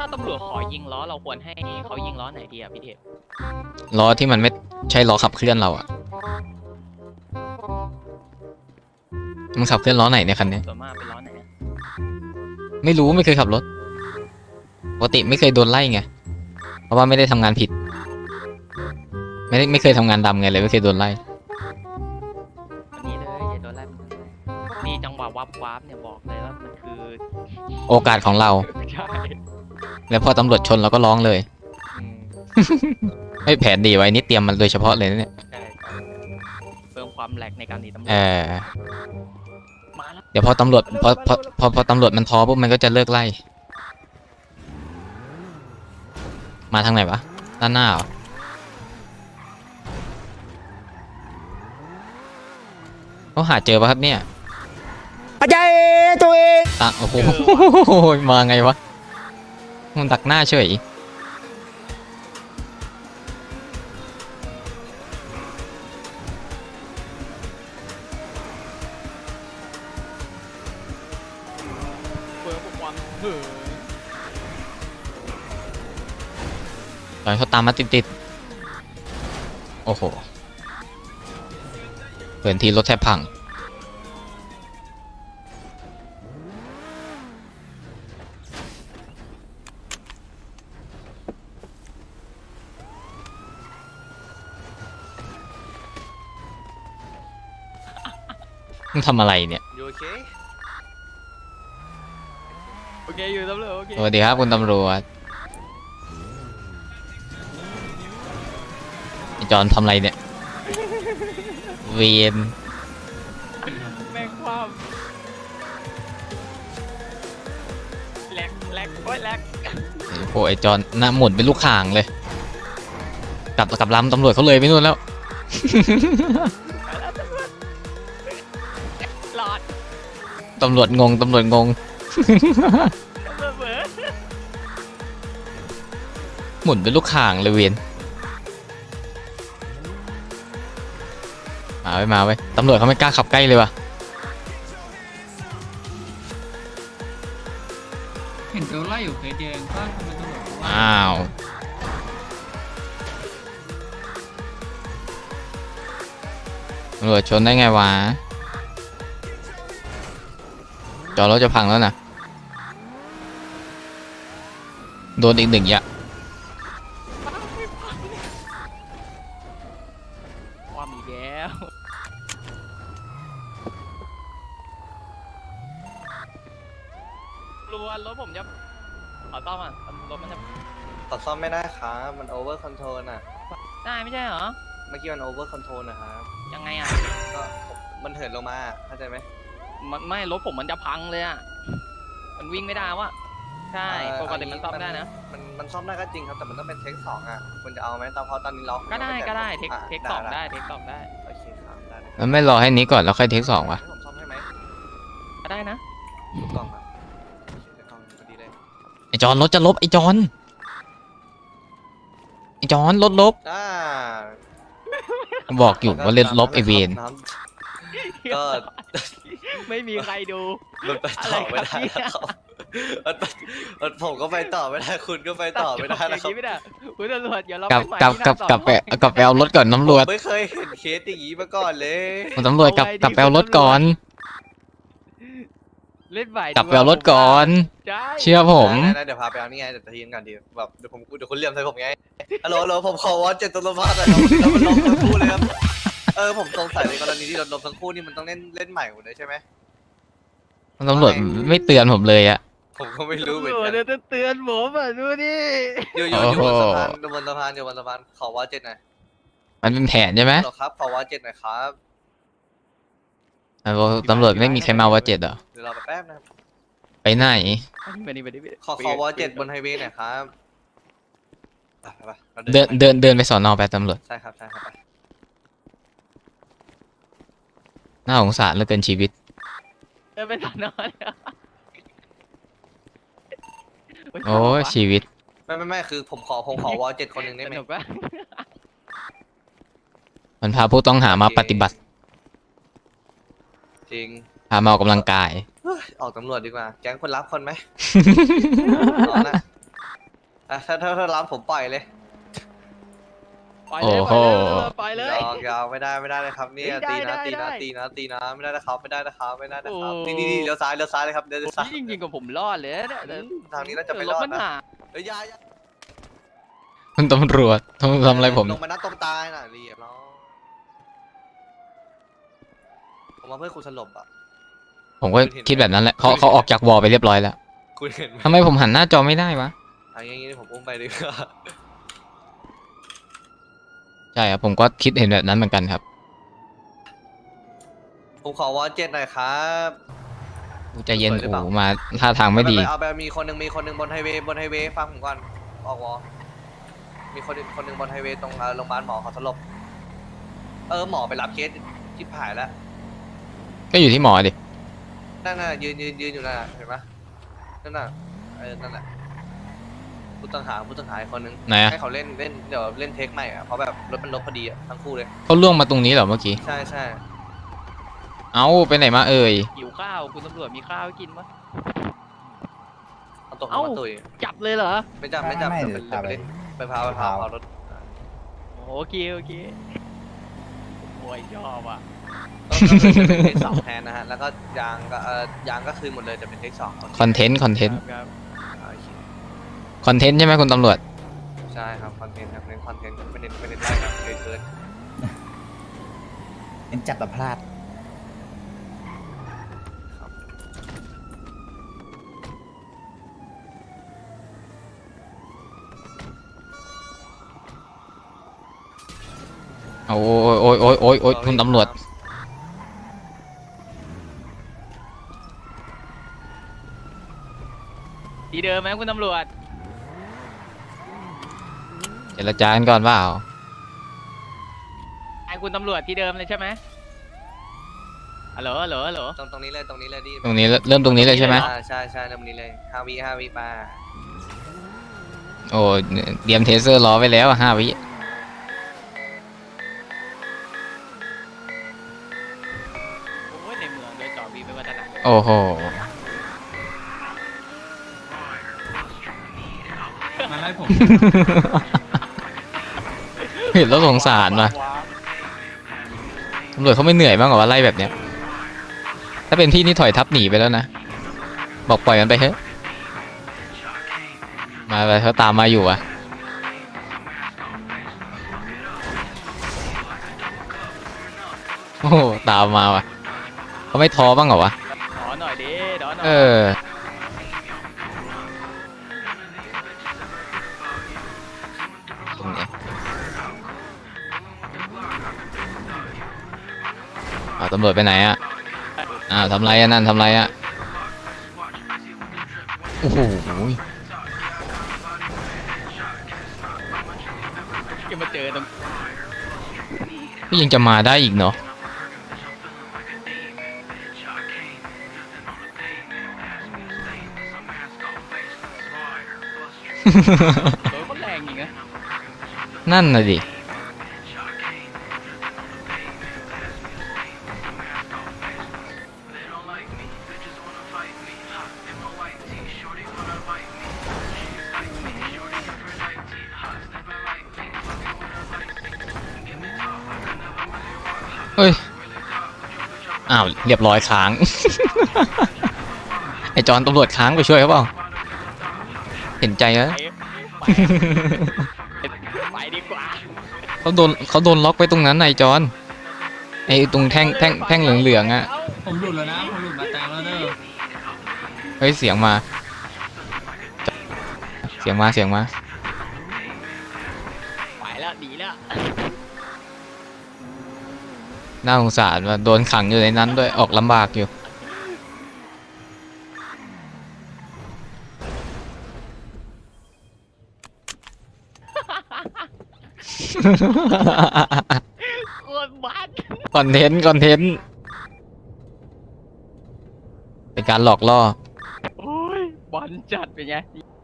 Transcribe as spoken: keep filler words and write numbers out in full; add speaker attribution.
Speaker 1: าตำรวจขอยิงล้อเราควรให้เขายิงล้อไหนดีอ่ะพี่เทพ
Speaker 2: ล้อที่มันไม่ใช่ล้อขับเคลื่อนเราอะมันขับเคลื่อนล้อไหนเนี่ยคันนี้
Speaker 1: ส่วนมากเป็นล้อไหนอะ
Speaker 2: ไม่รู้ไม่เคยขับรถปกติไม่เคยโดนไล่ไงเพราะว่าไม่ได้ทำงานผิดไม่ได้ไม่เคยทำงานดำไงเลยไม่เคยโดนไล่
Speaker 1: วันนี้เลยอย่าโดนไล่มันเลยนี่จังหวะวับวับเนี่ยบอกเลยว่ามันคือ
Speaker 2: โอกาสของเรา
Speaker 1: ใช่
Speaker 2: แล้วพอตำรวจชนเราก็ร้องเลย
Speaker 1: อืม
Speaker 2: ไม่แผนดีไว้นี่เตรียมมันโดยเฉพาะเลยนะเนี่ย
Speaker 1: ใช่ใช่เพิ่มความแหลกในการหนีตำรว
Speaker 2: เอ
Speaker 1: จ
Speaker 2: อ
Speaker 1: มาแล้ว
Speaker 2: เดี๋ยวพอตำรวจพอพอพอพอตำรวจมันท้อปุ๊บมันก็จะเลิกไล่มาทางไหนวะด้านหน้าเหรอเขาหาเจอปะครับเนี่ยอาจารย์ตัวเองตักโอ้โหมาไงวะมันตักหน้าเฉย
Speaker 1: เพิ่มความเหิน
Speaker 2: ตอนเขาตามมาติดๆโอ้โหเปิดทีรถแทบพังมึงทำอะไรเนี่ย
Speaker 3: อยู่โอเค
Speaker 1: โอเคอยู่ตำรวจโอเค
Speaker 2: สวัสดีครับคุณตำรวจไอจอนทำอะไรเนี่ยเวียน
Speaker 1: แม่งความแหลกแหลกโอ้ยแหลก
Speaker 2: โอ้ไอจอนหน้าหมุนเป็นลูกข่างเลยกลับกลับลำตำรวจเขาเลยไม่นู่นแล้ว
Speaker 1: หลอด
Speaker 2: ตำรวจงงตำรวจงง
Speaker 1: ตำรวจเบิร์ด
Speaker 2: หมุนเป็นลูกข่างเลยเวียนมาไว้มาไว้ตำรวจเขาไม่กล้าขับใกล้เลยว่ะ
Speaker 4: เห็นโดนไล่อยู่เคยเจอก็ทำไมต้องบอกว่า
Speaker 2: อ้าวตำรวจชนได้ไงวะจอรถจะพังแล้วนะโดนอีกหนึ่งยะ
Speaker 1: ความอีกแล้วรัวรถผมจะขอต้อมอ่ะรถมันจะ
Speaker 3: ตัดซ่อมไม่ได้ครับมันโอเวอร์คอนโทรลน่ะ
Speaker 1: ได้ไม่ใช่เหรอ
Speaker 3: เมื่อกี้มันโอเวอร์คอนโทรลนะครับ
Speaker 1: ยังไงอ่ะ
Speaker 3: ก็มันเหินลงมาเข้าใจไหม
Speaker 1: มันไม่รถผมมันจะพังเลยอ่ะมันวิ่งไม่ได้วะใช่
Speaker 3: เอ่อ
Speaker 1: ปกติมันซ่อมได้นะ
Speaker 3: มันมันซ่อมได้ก็จริงครับแต่มันต้องเป็นเทคสองอ่ะคุณจะเอาไหมตอนเพราะตอนนี้ล็อก
Speaker 1: ก็ได้
Speaker 3: ยังม่
Speaker 1: ก็ได้
Speaker 3: แตะ
Speaker 1: เทค
Speaker 3: อ่ะ
Speaker 1: เทคสองได้เทคสองได้
Speaker 3: โอเคครับได้เลย
Speaker 2: มันไม่รอให้นี้ก่อนแล้วค่อยเทคสองวะ
Speaker 3: ให้ผมซ่อมให้ไหม
Speaker 1: ก็ได้นะ
Speaker 3: ถูกต้องครับโอเคถูกต้องพอดีเลย
Speaker 2: ไอจอนรถจะลบไอจอนไอจอนรถลบ
Speaker 3: อ่า
Speaker 2: บอกอยู่ว่าเล่นลบไอเวน
Speaker 3: น้ำก็
Speaker 1: ไม่มีใครดู
Speaker 3: มันไปต่อไม่ได้นะครับมันไปมันผมก็ไปต่อไม่ได้คุณก็ไปต่อไม่ได้
Speaker 1: ตั
Speaker 3: นะ
Speaker 1: ด
Speaker 3: ค
Speaker 1: จ
Speaker 3: รั
Speaker 1: บบ อย่างนี้ไม่ได้คุณตำรวจอย่าเรา
Speaker 2: กลับ
Speaker 1: ไปใหม่
Speaker 2: กลับ
Speaker 1: ที่ห
Speaker 2: กลั
Speaker 1: น้า
Speaker 2: บ
Speaker 1: สอน
Speaker 2: กลับไปกลับไปเอารถก่อนตำรวจ
Speaker 3: ผมไม่เคยเห็นเคสอย่างนี้มาก่อนเลย
Speaker 2: คุณตำรวจกลับกลับไปเอารถก่อน
Speaker 1: เล่นใหม่
Speaker 2: กลับไปเอารถก่อน
Speaker 1: ใช่
Speaker 2: เชื่อผม
Speaker 3: ได้ได้เดี๋ยวพาไปเอานี่ไงเดี๋ยวทีนก่อนดีแบบเดี๋ยวผมเดี๋ยวคุณเลี่ยมใส่ผมไงฮัลโหลฮัลโหลผมขอวอชเจ็ดตัวลมพัดหน่อยครับเรามันลงทั้งคู่เลยครับเออผมสงสัยในกรณีที่เราลมทั้งคู่นี่มันต้องเล่นเล่นใหม่หมดเลยใช่ไหม
Speaker 2: ตำรวจไม่เตือนผมเลยอะ
Speaker 3: ผมก็ไม่รู้เหมือน
Speaker 1: ตำรว
Speaker 3: กั
Speaker 1: จ
Speaker 3: น
Speaker 1: เดี๋ยวจะเตือนผมอ่ะดูดิ
Speaker 3: อยู่อยู่อยู่บนสะพานอยู่บนสะพานอยู่บนสะพานขอวอชเจ็ดหน่อย
Speaker 2: มันเป็นแผนใช่ไหม
Speaker 3: ฮัลโหลครับขอวอชเจ็ดหน่อยครับ
Speaker 2: อ่ะบอกตำรวจไม่มีใครมาว่าเจ็ดเหรอ
Speaker 3: เดี๋ยวรอแป๊บนะครับ
Speaker 2: ไปไหน
Speaker 1: ไปดิไปดิไปดิ
Speaker 3: ขอขอวอชเจ็ดบนไฮเวย์หน่อยครับไปไปไปรา
Speaker 2: เดินเดินเดินไปสอนอไปตำรวจ
Speaker 3: ใช่ครับใช่ครับไป
Speaker 2: น่าสงสารเหลือเกินชีวิต
Speaker 1: เดินไปสอนอน
Speaker 2: โอ้ยชีวิต
Speaker 3: ไม่ไม่ไม่คือผมขอผมขอวอชเจ็ดคนหนึ่งได้
Speaker 1: ส
Speaker 3: ไหม
Speaker 1: นุกปะ
Speaker 2: มันพาผู้ต้องหามาปฏิบัติ
Speaker 3: จริง
Speaker 2: พามาออกกำลังกาย
Speaker 3: เฮ้ยออกตำรวจดีกว่า แก๊งคนรับคนไหม เอานะอ่ะถ้าถ้าถ้ารับผมปล่อยเลย
Speaker 1: ปล่อยเลยปล่อยเลยปล่อยเลย
Speaker 3: ยาวยาวไม่ได้ไม่ได้เลยครับเนี่ย
Speaker 1: ได้
Speaker 3: ตีนะ
Speaker 1: ได้
Speaker 3: ตีนะ
Speaker 1: ได้
Speaker 3: ตีนะตีนะไม่ได้นะครับไม่ได้นะครับไม่ได้นะครับ
Speaker 1: โอ้
Speaker 3: นี่นี่นี่เลี้ยวซ้ายเลี้ยวซ้ายเลยครับเลี้ยวซ้าย
Speaker 1: นี่จริงๆกับผมรอดเลยนะเนี่ย
Speaker 3: ทางนี้น่าจะไม่รอดนะ
Speaker 1: ถมันหา
Speaker 3: เฮ้ยอยาอยา
Speaker 2: คุณตำรวจทำทำอะไรผม
Speaker 3: ลงมานัดตรงตายน่ะเรียบร้อยผมมาเพื่อคุณสลบอ่ะ
Speaker 2: ผมก็คิดแบบนั้นแหละเขาเขาออกจากวอลไปเรียบร้อยแล้ว
Speaker 3: คุณเห็นไหม
Speaker 2: ทำไมผมหันหน้าจอไม่ได้วะ
Speaker 3: อันนี้ผมอุ้มไปดีกว่า
Speaker 2: ใช่ครับผมก็คิดเห็นแบบนั้นเหมือนกันครับ
Speaker 3: ผมขอวอลเจ็ดหน่อยครับ
Speaker 2: ใจเย็น
Speaker 3: เปิดหรือเปล่า
Speaker 2: โอ้มาท่าทางไม่ดี
Speaker 3: เอาไปมีคนหนึ่งมีคนหนึ่งบนไฮเวย์บนไฮเวย์ฟังผมก่อนออกวอลมีคนหนึ่งคนหนึ่งบนไฮเวย์ตรงเอ่อโรงพยาบาลหมอเขาสลบเออหมอไปรับเคสชิบหายแล้ว
Speaker 2: ก็อยู่ที่หมอดิ
Speaker 3: นั่นน่ะยืนยืนยืนอยู่นั่นน่ะเห็นปะนั่นน่ะเออนั่นแหละผู้ต้องหาผู้ต้องหาอีกคนนึง
Speaker 2: ไหนอะ
Speaker 3: ให้เขาเล่นเล่นเดี๋ยวเล่นเทคใหม่อ่ะเพราะแบบรถมันลบพอดีอ่ะทั้งคู่เลย
Speaker 2: เขาล่วงมาตรงนี้เหรอเมื่อกี้
Speaker 3: ใช่ใช่
Speaker 2: เอ้าไปไหนมาเอ่ย
Speaker 1: หิวข้าวคุณตำรวจมีข้าวให้กินปะ
Speaker 3: เอาตกลง
Speaker 1: เอ้า
Speaker 3: มาตุย
Speaker 1: จับเลยเหรอ
Speaker 3: ไม่จับไม่จับ
Speaker 5: ไม่
Speaker 3: เดี๋ยว
Speaker 5: ไม่
Speaker 3: ไป
Speaker 5: เดี๋
Speaker 3: เดี๋ย
Speaker 5: ยว ว
Speaker 3: ไปเล่นไปพาไปพา
Speaker 5: พา
Speaker 3: เอารถ
Speaker 1: โอเคโอเคโอ้ยชอบอ่ะ
Speaker 3: ต้องต้องเป็นเทคสองแทนนะฮะแล้วก็ยางก็เออยางก็คืนหมดเลยแต่เป็นเทคสอง
Speaker 2: คอนเทนต์คอนเทนต์
Speaker 1: ครับ
Speaker 3: โอเค
Speaker 2: คอนเทนต์ใช่ไหมคุณตำรวจ
Speaker 3: ใช่ครับคอนเทนต์ครับเน้นคอนเทนต์ไม่เน้นไม่เน้นไล่ครับเคยเกิน
Speaker 5: เป็นจับแต่พลาด
Speaker 2: โอ้ยโอ้ยโอ้ยโอ้ยโอ้ยคุณตำรวจ
Speaker 1: ที่เดิมไหมคุณตำรวจ
Speaker 2: เจรจากันก่อนเปล่า
Speaker 1: ไอ้คุณตำรวจที่เดิมเลยใช่ไหมฮัลโหลฮัลโหลฮัลโหล
Speaker 3: ตรงตรงนี้เลยตรงนี้เลยดิ
Speaker 2: ตรงนี้เริ่มตรงนี้เลยใช่ไหม
Speaker 3: อ่าใช่ใช่ตรงนี้เลยห้าวิห้าวิมา
Speaker 2: โอ้เตรียมเทเซอร์รอไว้แล้วห้าวิ
Speaker 1: โอ้ยในเมืองโดยจอดวีไม่วัฒนะ
Speaker 2: โอ้โห
Speaker 4: มาไล่ผม
Speaker 2: เห็นแล้วสงสารว่ะตำรวจเขาไม่เหนื่อยบ้างเหรอว่าไล่แบบเนี้ย ถ้าเป็นพี่นี่ถอยทับหนีไปแล้วนะ บอกปล่อยมันไปเถอะ มาไปเขาตามมาอยู่อะโอ้โหตามมาว่ะเขาไม่ท้อบ้างเหรอวะ
Speaker 1: ขอหน่อยดิขอหน่อย
Speaker 2: เออ ตรงนี้อ้าวตำรวจไปไหนอะอ้าวทำไรอะนั่นทำไรอะโอ้โห
Speaker 1: จะมาเจอตรง
Speaker 2: ก็ยังจะมาได้อีกเนาะ
Speaker 1: โดยคนแรงจริงนะ
Speaker 2: นั่นน่ะดิ เฮ้ย อ้าว เรียบร้อยค้าง ไอจอนตำรวจค้างไปช่วยเขาเปล่า เห็นใจแล้ว
Speaker 1: ไปไปไปดีกว่า
Speaker 2: เขาโดนเขาโดนล็อกไว้ตรงนั้นไอจอน ไอตรงแท่งแท่งแท่งเหลืองๆอ่ะ
Speaker 4: ผมหลุดแล้วนะ ผมหลุดมาแตงแล้วเด้อ
Speaker 2: เฮ้ย เสียงมา เสียงมาเสียงมา
Speaker 1: ไปแล้วดีแล้ว
Speaker 2: น่าสงสารว่าโดนขังอยู่ในนั้นด้วยออกลำบากอยู่
Speaker 1: โคตรบ้าน
Speaker 2: คอนเทนต์คอนเทนต์เป็นการหลอกล่อ
Speaker 1: โอ้ยบอลจัดเป็นไง